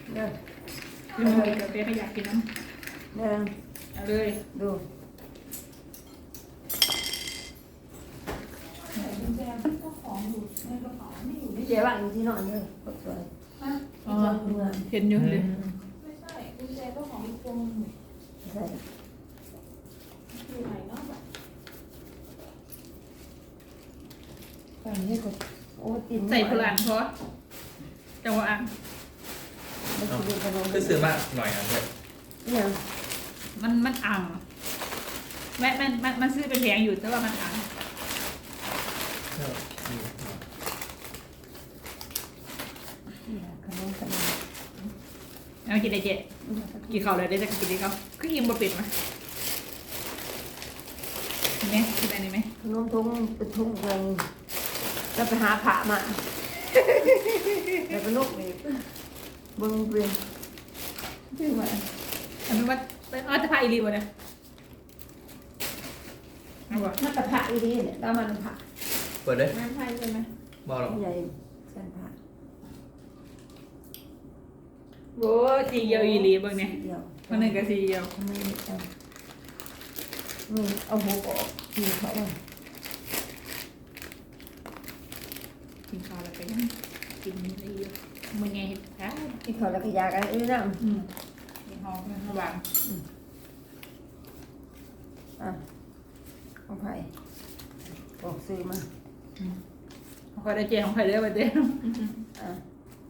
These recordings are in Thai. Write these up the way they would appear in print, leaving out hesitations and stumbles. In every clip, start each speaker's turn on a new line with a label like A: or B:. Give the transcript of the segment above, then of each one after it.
A: เนี่ย
B: กินเลยกับเต้ก็อยากกินน้ำ
A: เนี่ย
B: เอาเลย
A: ดู
C: กุญแจก็ของอยู่ในกระเป๋าไม่อยู่ใน
A: เจ๊ว่างอยู่ที่นอนเลยกดสวย
C: ฮะ
B: อ๋อเห็นอยู่เลย
C: ไม่ใช่กุญแจก็ของอีกคนหนึ่ง
A: ใส่
C: อยู่ไหนเนาะแบบ
A: ตอนนี้กดโอ้ติน
B: ใส่พลังเพราะจังหวะอ่ะ
A: ไม่คิดเป็นขนม
D: ก็ซื้อมาหน่อยอันเลย
A: เนี่ย
B: มันอ่างแม่มันซื้อเป็นแพงอยู่แต่ว่ามันอ่าง
A: ขนมขนม
B: เอากินได้เจ๊กินข้าวเลยได้จะกินได้ข้าวคืออิ่มบ่เป็ดมาเห็นไหมกินอะไรไหม
A: ขนมทุ่งเป็นทุ่งเงินจะไปหาผ่ามาแล้วก็ลูกอีกบึงเปลี่ยน
B: ชื่อว่าอันนี้ว่าเป็นจะพาอีรีบ่เนี่ยเอาบ่
A: ถ้าแต่ผ่าอีดีเนี่ยแล้วมันผ่า
D: เปิดเลย
C: งานไทยใช่ไหม
D: บอกหรอก
A: ใหญ่เส้นผ่า
B: โอ้จีเยียวอีรีเบิ่งเนี่ย
A: เดียว
B: มันหนึ่งกับจีเยียว
A: ไม่เอานี่เอาหัวออกกินเขาเลย
B: กินข้าวแล้วก็ยังกินได้เยอะมึงไงเห็ดค่ะ
A: กินเขาแล้วก็ยากันนี่นะ
B: กินหอมระหว่าง
A: อ่ะเอาไผ่บอกซื้อมา
B: เขาก็ได้เจของใครเด้อไปเด้อ
A: อ่ะ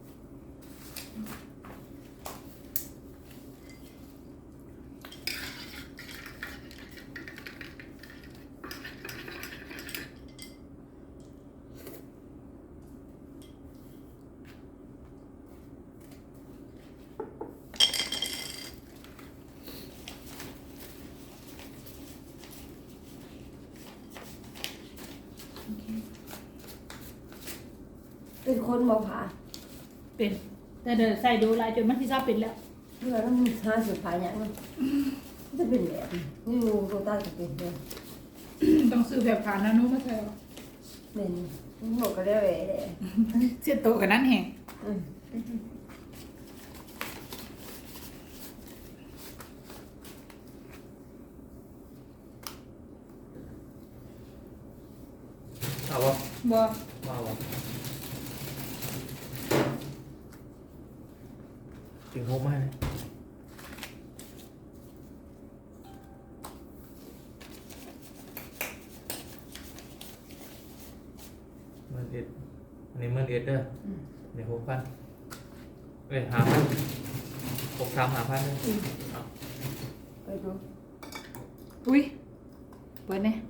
A: เป็นคนบอกผ่า
B: เป็นแต่เดินใส่ดูลายจนมันที่ชอบเป็นแล้ว
A: เพื่อแล้วมันหาสุดผ่าอย่างนั้นจะเป็นแบบนี้นี่งูตัวตาจะเป็นแบบ
B: ต้องซื้อแบบผ่านนะนู้มาใช่หรอ
A: เป็นหมดก็ได้เลยเลย
B: เสียโตกับนั้นแห่ง
A: อืม
D: เอาวะ
B: บ่
D: มาเอาวะถึงโฮมากเลยมันเอ็ดอันนี้มันเอ็ดเด้อเดี๋ยว6,000เอ้ย5,000 63 5,000เลยเอา
A: ไปดู
B: อุ้ยเปิดเนี่ย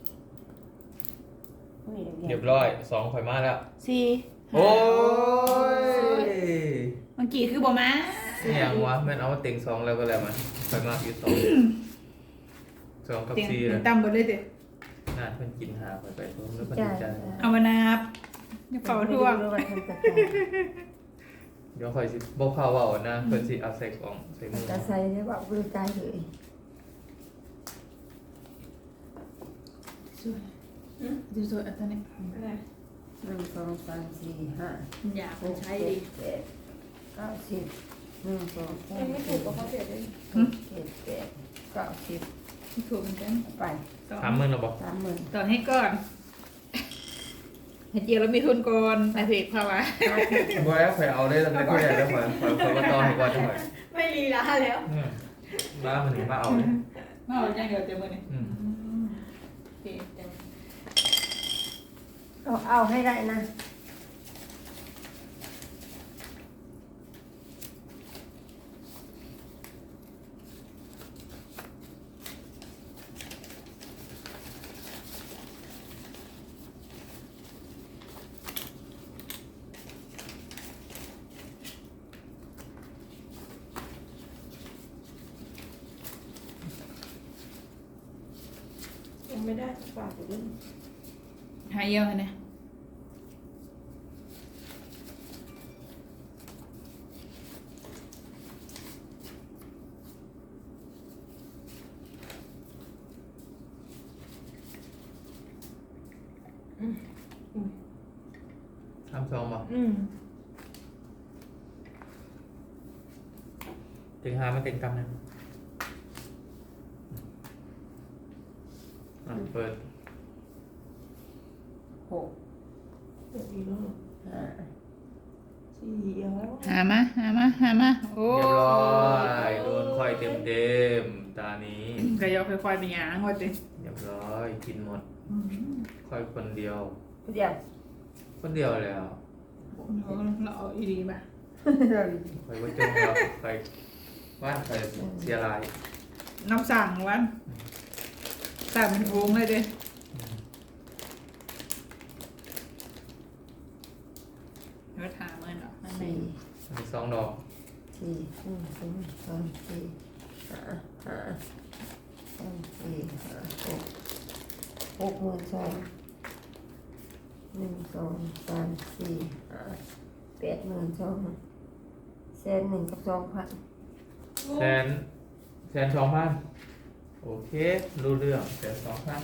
A: นี่
D: เรียบร้อย2ข่อยมาแล้ว
B: สี่
D: โอ้ย
B: เมื่อกี้คือบ่มา
D: นี่ยังวะแม่นเอามาเต็ง2แล้วก็แล้วมันข่อยมากอยู่2 2กับ
B: เตียง
D: 4เลย
B: ต่ำเบิดเลยเด้
D: น่าเพิ่นกินหาไปผมแล้วมัน
A: จ้า
D: ดีใจ
B: เอามานับอย่าเป่าท่วง
D: เดี๋ยวข่อยสิบ่พาเว้านะเพิ่นสิเอาใส่กล่องใส่มือ
A: จะใส่ได้ว่าบริการเลย
B: สวยดูสวยอันนี้
C: อะไร
A: 1 2 3 4 5
B: อยาก
A: 6
B: ใช้
A: 7
B: ดี
A: 8 9 10 1 2
C: ยังไม่ถูกกับเขา
A: 3
C: เสียเลย
A: 4 7 8 9 10
B: ถูกเหมือนกัน
A: ไป
D: 30,000แล้วบ่
A: 30,000
B: ตอนให้ก่อนเห็ดเจียวแล้วมีทุนก่อนไอเพกภาวะ
D: บ่แล้วข่อยเอาได้ตั้งแต่ที่แรกแล้วข่อยบ่ต่อให้ก่อนจังได๋
C: ไม่ลีลาแล้ว
D: บ้ามันนี่มาเอาเลย
B: มาเอาจังเดียวเต็มมือนี่
D: อืม
B: โอเคเต็ม
A: เอาให้ได้นะ
C: ยังไม่ได้ฝากอยู่ด้วย
B: หายเยี่ยวเนี่ย
D: 32บ่
C: อืม
D: ถึงหามันเต็งกำนึงเปิด
A: หก
C: เดี๋ยวอีกแล้ว
A: ห้า
C: สี่เอาแล้ว
B: หามาโอ้
D: เรียบร้อยโดนค่อยเต็มตานี้
B: กระยอค่อยๆไปหยางว่าจิ
D: เรียบร้อยกินหมดค่อยคนเดียว
A: เดี๋ยว
D: คนเดียวแล้ว
B: เราเอาอีดีป่ะ
D: ค่อยว่าจงแล้วค่อยว่านค่อยเสียราย
B: น้ำสั่งวันสั่งเป็นวงเลยเด้เดี๋ยวถามมันหรอนั่นเอ
A: สี่
B: ง
D: มีสองดอก
A: สี่หนึ่งสองสามสี่ห้าห้าสองสี่ห้าหกหมื่นสองหนึ่งสองสามสี่ห้า82,000แสนหนึ่งกับ2,000
D: แสน2,000โอเครู้เรื่องแสน2,000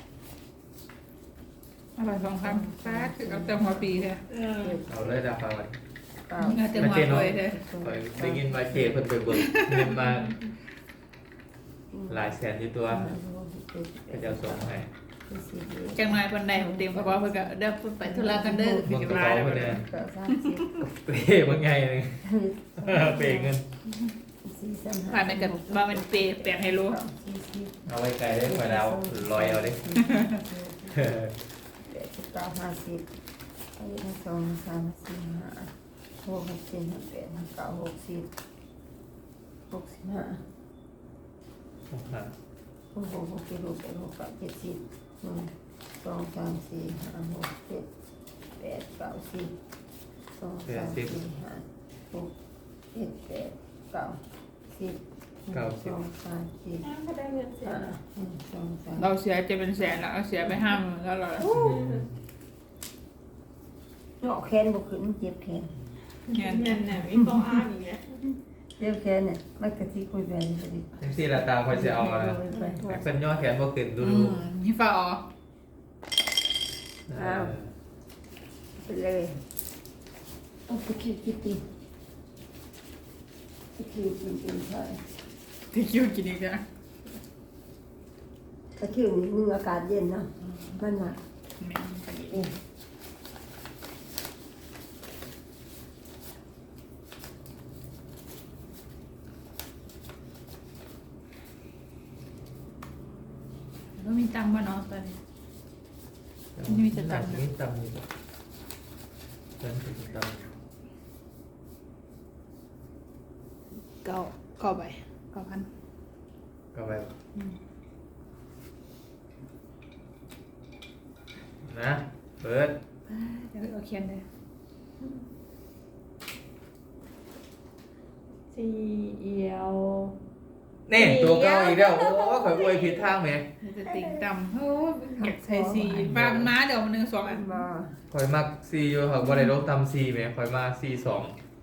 B: อะไร2,000ซ่าคือเอาแต่หัวปีเลย
D: เอาเลยดาฟ้าไป
A: เก้า
B: เอาแต่หัวปีเลย
D: คอยได้ยินมาเจเพิ่นไปเบิกเงินมาหลายแสนอยู่ตัวก็จะเอาส่งให้
B: จังหน่อยคนใดผมเตรียมกระเป๋าเพื่อเด้อไปธุระกันเด้อ
D: มึงกระเป๋าเพิ่นเนี่ย
A: เก้าสามสิบ
D: เป้บางไงเลย เป้เงิน
A: สี่สาม
B: ผ่านไปกับมาเป็นเปย์แปลงให้รู้
D: เอาไว้ไกลได้กว่าเราลอยเอาดิ
A: 89 50อันนี้ทั้งสองสามสี่ห้าหกเจ็ดแปดเก้า60 65 66 67 68 69 70 1 2 3 4 5 6 7 8 9 10 2 3 4 5 6 7 8 9 10 1 2 3 4
C: ถ้าได้เงินเสร็จ
A: 5 1 2 3
B: เราเสียจะเป็นแสนแล้วเอาเสียไป50,000แล้วเรา
A: เนาะแขนบ่ขึ้นมันเจ็บแขน
B: เงิน
C: เงินเนี่ยมีข้ออ้างอย่างเงี้ย
A: เจ็บแขนเนี่ยมันก็สิคุยไปเลยดิ
D: จังซี่ละตาคอยสิเอานะเพิ่นย่อแขนบ่ขึ้นดู
B: นี่ฝ่าอ๋อ
A: ไปเลยเอาไปคิดดิไปคิดกินใช่
B: ที่คิวกินอีกแล้ว
A: ถ้าคิวนี่มึงอากาศเย็นเนาะมันหนัก
B: แม่งไปอีก
A: นี่
B: แล้วมีตังค์ป่ะเนาะตอนนี้
D: มีตังค์นี่ตังค์นี่เพิ่นสิตังค์
B: 9ใบ9,000
D: ก็ไปนะเปิด
B: เดี๋ยวเอาเขียนเลย
C: สี่เอียว
D: นี่ตัวเก่าอีกแล้วโอ้ข่อยอวยผิดทางแหม
B: จะติ่งต่ำโอ้เก็บใส่สีปลาม้าเดี๋ยวมัน1 2อัน
A: มา
D: ข่อยมัก4อยู่ครับบ่ได้ลงตำ4แหมข่อยมา4 2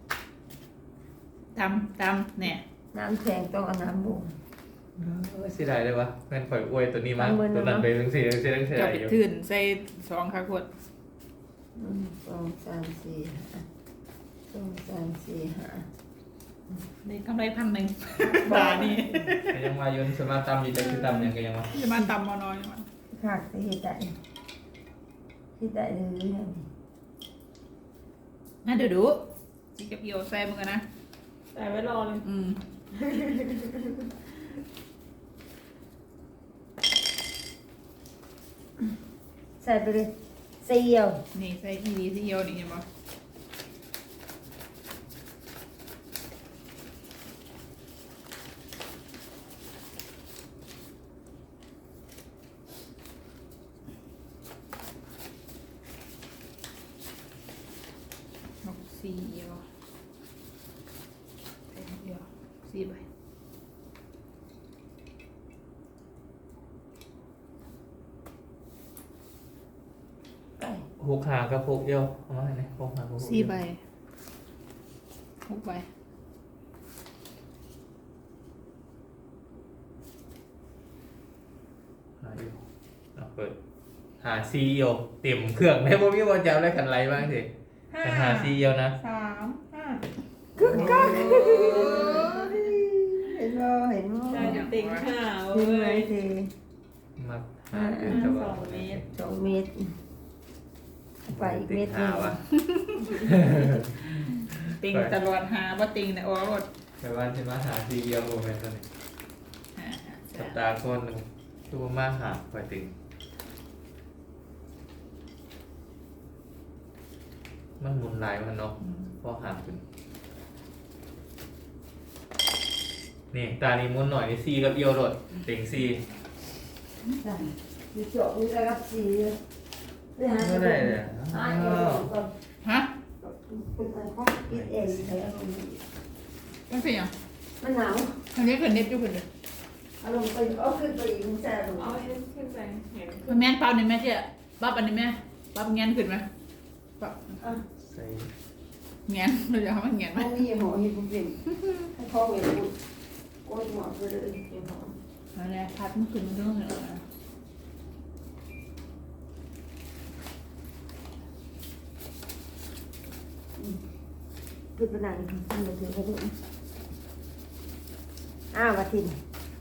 B: ตำเนี่ย
A: น้ำแข็งต้องเอาน้ำบุ้ง
D: เสียดายเลยวะแม่นข่อยอวยตัวนี้มาตัวนั้นไปจังซี่จังซี่จังซี่
B: จะ
D: ได้
B: ไป
D: อยู่
B: ถื่นใส่2ค่ะขวด
A: 1 2 3 4 5 2 3 4 5
B: ได้กำไร1,000บาทนี่
D: ก็ยังว่าอยู่สมาตำอยู่จังสิตำยังก็ยังว่า
B: จะมาตำมอนอยมัน
A: ขาดจะเฮ็ดได้เลยเนี่ย
B: น่าเดี๋ยวดูจีกับเอียวใส่มึงกันนะ
C: แต่ไว้รอเลย
A: ใส่ไปเลยเสี่ยว
B: นี่ใส่ทีวีที่เอียวนี่เห็นปะ4เอียวใส่เอียว4 ใบ
A: ไก่
D: 6 หากับ6เดียวเอามาให้หน่อย6 หากับ6
B: 4 ใบ6 ใบ
D: หาอยู่เอาเปิดหาซีเอียวเต็มเครื่องได้บ่มีว่าจะเอาได้คันไรบ้างสิแต่หาซีเอียวนะ
C: 3 5
A: กึกกักเมตรไปอีกเมตรห
D: หา
A: นึ่ง
D: วะ
B: ติงตลอดหาบ่ติงเนี่ยโอ้รถ
D: แต่ว่าที่มาหาทีเดียวโมเมนต์ตัวนี้
B: หา
D: สัปดาห์คนหนึ่งตัวมาหาคอยติงมันหมุนหลายมันเนาะพอหาขึ้นนี่ตานี้หมุนหน่อยนี่ซีกับเอียวโดดติงซี
A: จ้ะมีเจาะมีระดับสี่ไม่หา
D: ไม่ได้เลย
A: หาเองก่อน
B: ฮะ
A: เป็นการข้อคิดเองใช้อารมณ์
B: มันเป็นหยัง
A: มันหนาว
B: อันนี้คือเน็ตอยู่คนเดียว
A: อารมณ์ไปเอาขึ้นไปอีกมันจะอารมณ์
C: เอาเอ็นขึ้นไปเห็น
B: มันแม่นเปล่านี่แม่เจ๊บับอันนี้แม่บับเงี้ยนขึ้นไหมบับ
A: อ่ะ
D: ใส่
B: เงี้ยนเราจะทำมันเงี้ยนไหม
A: เขามีหมอเห็นผมเป็นให้พ่อเวรพูดโกนหมอไปเลยเห็นหมอ
B: อันนี้พัดมันขึ้นมันต้องเหรอ
A: ขึ้นไปไหนขึ้นไปถึงกระดูกอ้าววัดทิน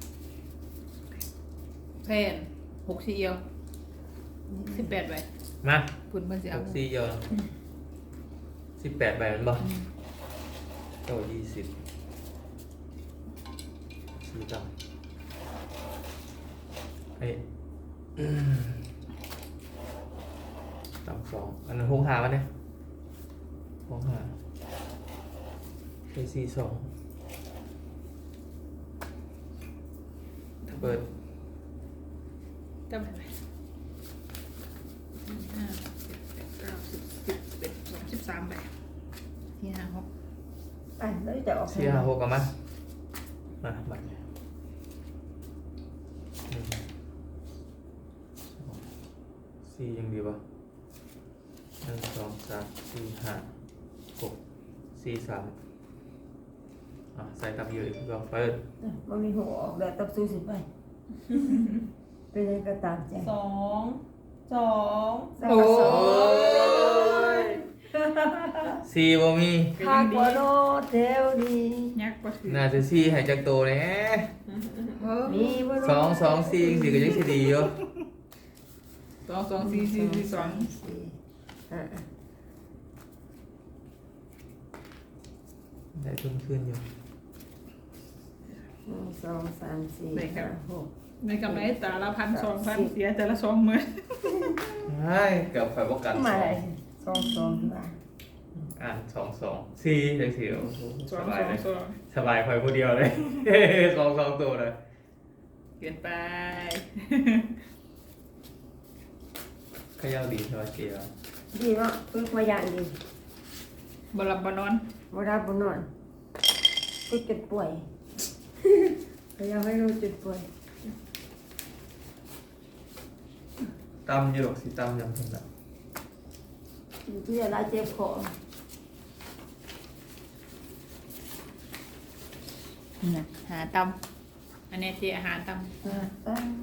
B: แพน6 4เอียว18ใบ
D: มา
B: คุณเพิ่นสิ
D: ห
B: เอา
D: กซีเอียว18 ใบมันบ่เก้า20ซีต่ำไอ้ต่ำ2อันนั้นหกหามันเนี่ยหกหาไป42เปิด
B: จำได้ไหม5 7 8 9 10 11 12 13ใบ4 5 6
A: อ่ะแล้วจะออก
D: 4 5 6กันมาบัตรเนี่ยสี่ยังดีป่ะ1 2 3 4 5 6 4 3ใส่ตับอยู่อีกลองเปิด
A: มันมีหัวออกแบบตับสู้สิไปเป็นยังก็ตามใจ
C: 2 2
A: โอ้ย
D: สี่บ่มี
A: ข้ากว่าโนเทลดี
B: ยักษ์ก็คือ
D: น่าจะสี่หายจากโตแน่
A: มีบ่
D: สองสองสี่สี่ก็ยังสิดีอยู่
B: 2 2 4 4 4 2
D: ได้ทุนขึ้นอยู่
A: 1 2 3 4 5 6
B: ในกำไรแต่ละ1,000 2,000เสียแต่ละ20,000
D: ใช่เกือบไฟประกัน
A: มาเลย2 2ที่ว่า
D: อ่าน2 2สี่จังสี่โอ้โหสบายเลย
B: 2
D: สบายไฟผู้เดียวเลย สองตัวเลย
B: เกินไป
D: ขย่าดีสบายเกียว
A: ดีเนาะฝึกมาอย่างดี
B: บหลับบนอน
A: บ่รับบ่นอนฝึกจนป่วยพยายามให้รู้จนป่วย
D: ตำอยู่หรอกสิตำยังเพิ่นละ
A: ที่จะได้เจ็บคอ
B: น่ะหาตำอันนี้เจอาหารต
A: ตั้ง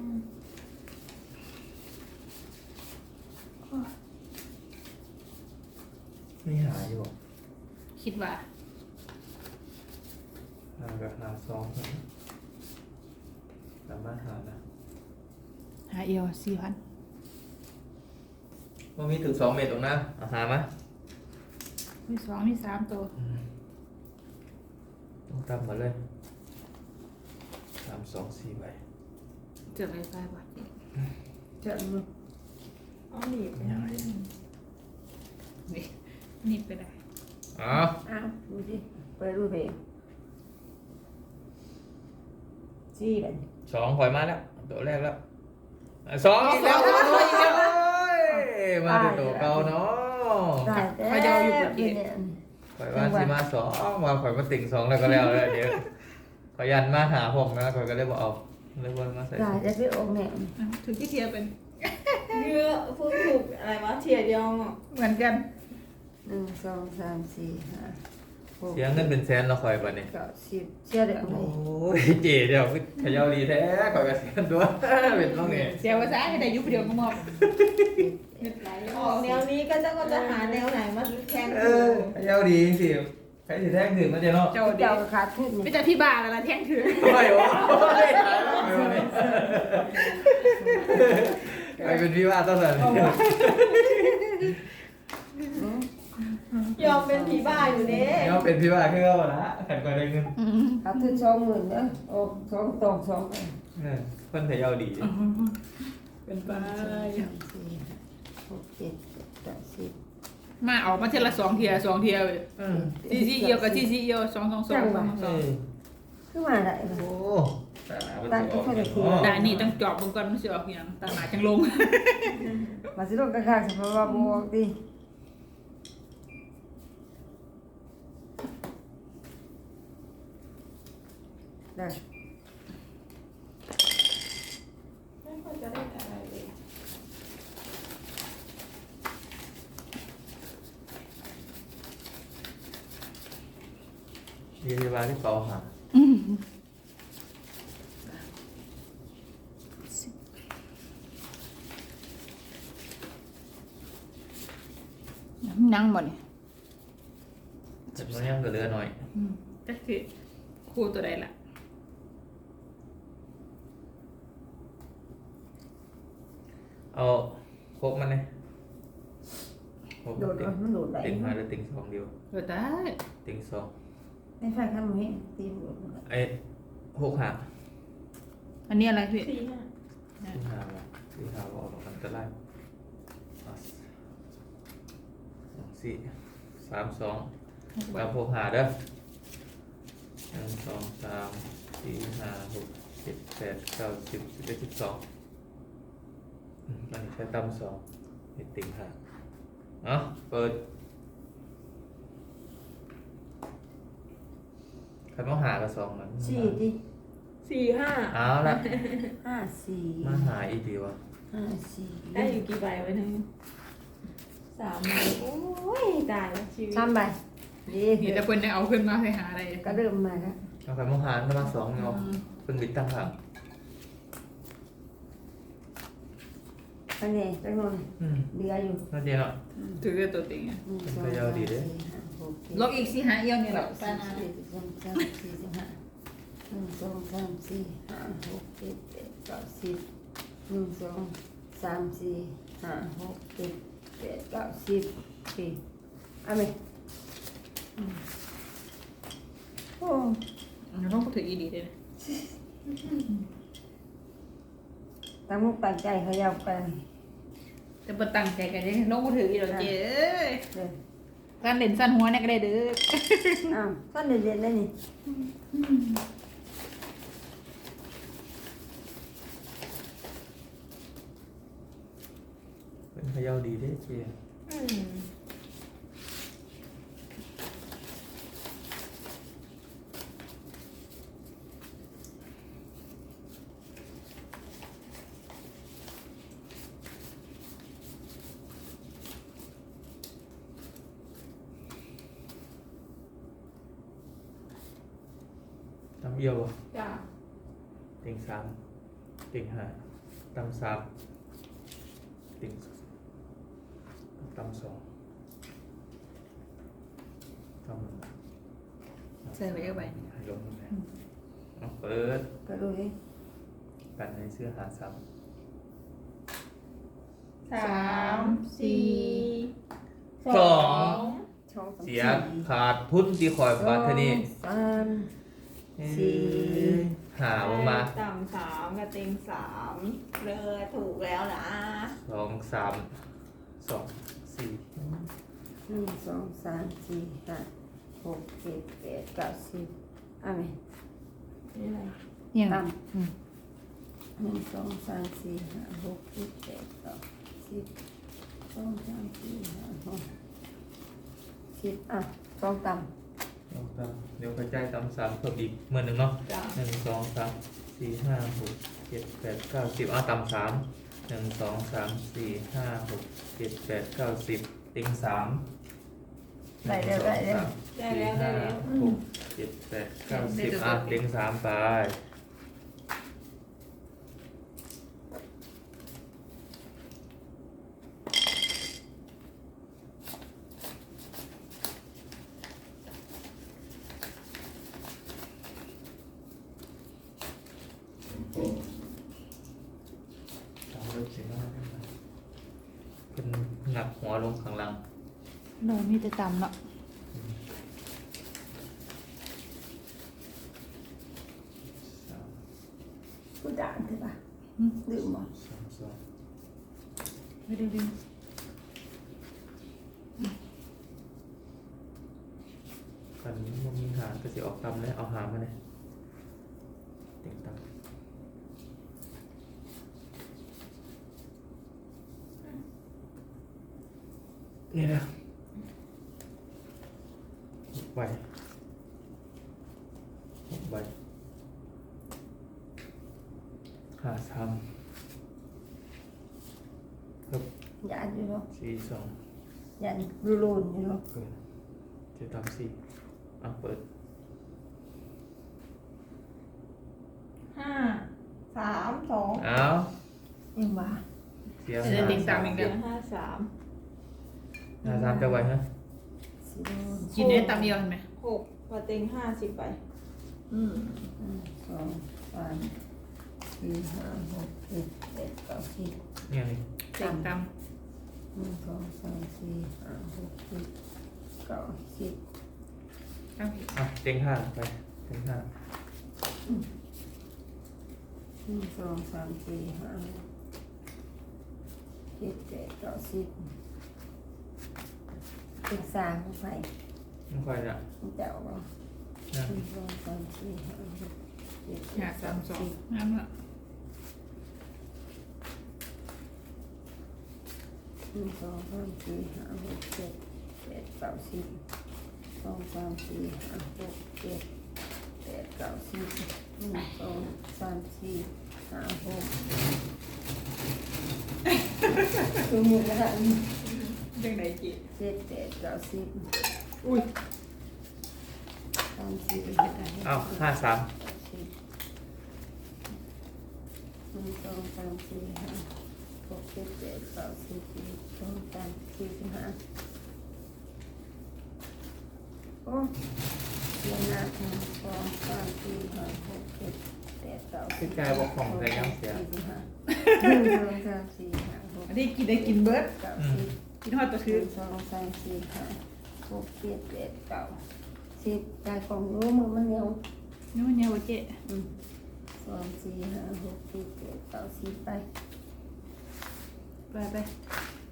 D: ไม่หาอยู่หรอก
B: ำคิดว่า
D: หากับหาซองสามารถหานะ
B: หาเอียว4,000
D: ว่ามีถึง2 เมตรตรงนั้นเอาหามา
B: มี2มี3ตัว
D: ต้องตำมาเลย3 2 4ใบ
B: เจอไปไปบ่
A: เจ็บมือ
C: เอาหนีบ
D: ไม่ยังไง
B: นี่นี่ไปได้
D: อ้าว
A: อ้าวดูสิไปดูเพลงจี้เลย
D: 2 ถอยมาแล้วตัวแรกแล้วสองอีกแล้วโอ้ยอีกแล้วโอ้ยมาเป็นตัวเก่าเนาะ
A: ได้แต่เนี่ย
D: ข่อยว่าสิมา2มาข่อยมาติ่ง2แล้วก็แล้วเลยเดี๋ยวข่อยยันมาหาผมนะข่อยก็เลยบอกเอาเลยวนมาใส่
A: ได้แต่พี่องค์เนี่ย
B: ถึงที่เทียเป็น
C: เยอะพูดถูกอะไรวะเทียเดียวอ่ะ
B: เหมือนกัน
A: 1 2 3 4 5 6
D: เสียเงินเป็นแสนเราข่อยบัดนี้
A: 9 10เชื่อเดี๋ยว
D: โอ้
A: เลย
D: ยเจ๋เดี๋ยวขยาวดีแท้ข่อยก็เสียตัว เป็นต้องไง
B: เสียภาษาให้ได้ยุบเดียวก็มอบเงินไหล
C: ออกแนวนี้ก็จะหาแนวไหนมาแข่ง
D: เออขยาวดีสิใครสิแท้งถึงมันจะเนาะ
B: เจ้าเดีย
A: เจ้าว ขาดทุน
B: ไม่
A: นี่
B: แต่พี่บ้าแล้วล่ะแท่งถือ
D: โอ้ยโอ้ยตายแล้วไปเป็นพี่ว่าต้องเลย
C: ยอมเป็นผีบ้าอยู่เด้
D: เนี่ยเป็นพี่ว่าขึ้นก็ละขันก็ได้เงิน
A: เอาถึง20,000เด้อโอ้2ตอง2ไป
D: คนไทยเอาดี
B: เป็นไป
A: 6 7 8 10
B: มาเอามาเทละ2 เทีย2 เทียเลยซีเอียวกับซีเอียว2 2 2
A: คือมาได้
D: โอ้แต่ละมัน
A: ตั้ง
D: จะออก
A: ที่
D: เนี่ย
A: เขาจะ
B: แต่นี่ต้องจอบบางก่อนมันสิออกอย่างตาหนาจังลง
A: มาสิลงกระคางสภาวะบวกดิได้
C: ไม่ค่อยจะได้อะไรเลย
D: เรียนที่บ้านที่เปาหา
B: นั่งบ่เนี่ย
D: แต่มันยังเหลือหน่อย
B: จักสิคู่ตัวใดล่ะ
D: เอาครบมันเลยครบ
A: โดด
D: ติ่ง
A: มันโดดไหล
D: ติ่งมาหรือติ่งสองเดียว
B: เออได้
D: ติ่งสอง
A: ไม่ใช่ข้ามมือตีโดด
D: ไอ้หกหา
B: อันนี้อะไรพี่
C: สี่ห้า
D: สี่หาว่ะสี่หาว่าออกมันจะไล่สี่สามสองกับหกหาเด้อหนึ่งสองสามสี่ห้าหกเจ็ดแปดเก้าสิบ11 12มันใช้ตั้มสองนี่ติ่งหาเนาะเปิดใครมาหากับสองมัน
A: สี่ดิ
C: สี่ห้า
D: เอาละ
A: 5
D: มาหาอีกดีวะ
A: 4 5 4
C: ได้อยู่กี่ใบไว้หนึ่ง3 ใบโอ้ยตายแล้วชีวิต
A: 3ใบดี
B: นี่แต่เพิ่นยังเอาขึ้นมาให้หาอะไร
A: ก็เริ่มมาแล้ว
D: เอาใครมาหาก็มาสองเนาะเป็นบิดตั้งหาง
A: อันนี้จังหวะเดืออยู่
D: น่าเดียวเนาะ
B: ถือตัวติงอ่ะ
A: 1 2 3 4 5 6
B: ลอกอีกสิหาเอียวนี่แหละ
A: 7 8 9 10 11 12 13 14 15 16 17 18 19 20 1 2 3 4 5 6 7 8 9 10ปีเอาไหมโอ้
B: เราต้องถืออีดีเลย
A: ตั้งมุกตั้งใจเขายาวไป
B: แต่บ่ตั้งใจกันยังน้องบ่ถืออีดอกเจ้เอ้ย
A: เลย
B: การเล่นสั้นหัวเนี่ยก็ได้เด้อ
A: อ้าวท่านเรียนได้นี่
D: เป็นพยาดีได้เจีย
C: อืม
D: ตำเอียวบ่
C: จ้า
D: ติ่งสามติ่งห้าตำสามติ่งตำสองตำ
B: ใส่ไว้เอาไว้
D: ลงเลยเอาเปิด
A: ก็ดูดิ
D: กันในเสื้อหาซ้
C: 3 4 2
A: ช่อง
D: ำเสียขาดทุนที่คอยบาทเทานี่
A: สามสี่
D: หาออกมา
C: ต่ำ3กับเต็ง3เลยถูกแล้วนะ
D: สองสามสองสี่
A: 1 2 3 4 5 6 7 8 9 10เอาไหม
C: นี่อะไร
B: ยัง
A: ตาม1 2 3 4 5 6 7 8 9 10 2 3 4 5 6 10อ่ะ2ต่ำ
D: เดี๋ยวกระจายตำสามเพิ่มอีกเมื่อหนึ่งเนาะ
C: จ้า
D: หนึ่งสองสามสี่ห้าหกเจ็ดแปดเก้าสิบตำสามหนึ่งสองสามสี่ห้าหกเจ็ดแปดเก้าสิบติงสาม
A: ได้แล้วได้แล้ว
C: ได้แล้วได้แล้ว
D: หกเจ็ดแปดเก้าสิบติงสามไปสามเริ่มสี่ห้าเป็นหนักหัวลงข้างหล่าง
B: เรามีแต่ต่ำเนาะ
D: สาม
A: ผู้ด่านใช่ปะลืมบ่
D: สองสอง
B: ไม่ได้ลืม
D: กันมันมีหางก็สิออกตำเลยเอาหางมาเลยเต็งตำนี่นะ6 ใบ6 ใบหาซ้ำครับ
A: ยานอยู่เนาะ
D: 4 2
A: ยานรูนอยู่เนาะ
D: เกินจะตาม4อ่ะเปิด
C: ห้าสามสอง
D: เอา
A: ยังว่า
D: เสีย
B: จะติดต่ำอีก
C: เดื
B: เดี
C: อ
B: ยว
C: ห้าสาม
D: หา3จะไหวฮะ
A: สิโดน
B: กินได้ต่ำเดียวเห็นไหม
C: หกพอเต็ง50 ใบ
A: สองสามสี่ห้าหกเจ็ดแปดเก้าสิบ
D: เนี่ยนี่
B: เต็งต่
A: สองสามสี่ห้าหกเจ็ดเก้าสิบ
B: ำต่ำอีก
D: อ่ะเต็งห้าไปเต็งห้า
A: สองสามสี่ห้าหกเจ็ดแปดเก้าสิบเป็นสามของไฟ
D: ไม่ค่อยละ
A: เจ้าบ่
D: นะ
A: สองสามสี่ห้าหกเจ็ดแป
B: หา
A: ด
B: สา
A: เก้าม
B: สอง
A: สิบ
B: งามละ
A: สองสามสี่ห้าหกเจ็ดแปดเก้าสิบสองสามสี่ห้าหกเจ็ดแปดเก้าสิบสองสามสี่ห้าหกคือหมดแล้วค่ะ
B: ยังไงจี
A: เจ็ดแปดเก้าสิบ
B: อุ้ย
A: สามสี่ห้าหก
D: เอา53
A: สิบสองสามสี่ห้าหกเจ็ดแปดเก้าสิบสองสามสี่สิบห้าโอ้เรียนหน้าหนึ่งสองสามสี่ห้าหกเจ็ดแปดเก้าสิบ
D: พี่กายบอกของใส่ยังเสีย
A: สี่สิบห้าหนึ่งสองสามสี่ห้าหก
B: อันนี้กินได้กินเบิร์ด
A: เก้าสิบ
B: กินทอดตัว
A: ห
B: คือ
A: นึ่งสองสามสี่ห้าหกเจ็ดแปดเก้าสิบได้ของรู้มือมันเหนียว
B: นี่มันเนี่ยวะเจ๊
A: สองสี่ห้าหกเจ็ดแปดเก้าสิบไป
B: ไปไป
A: ส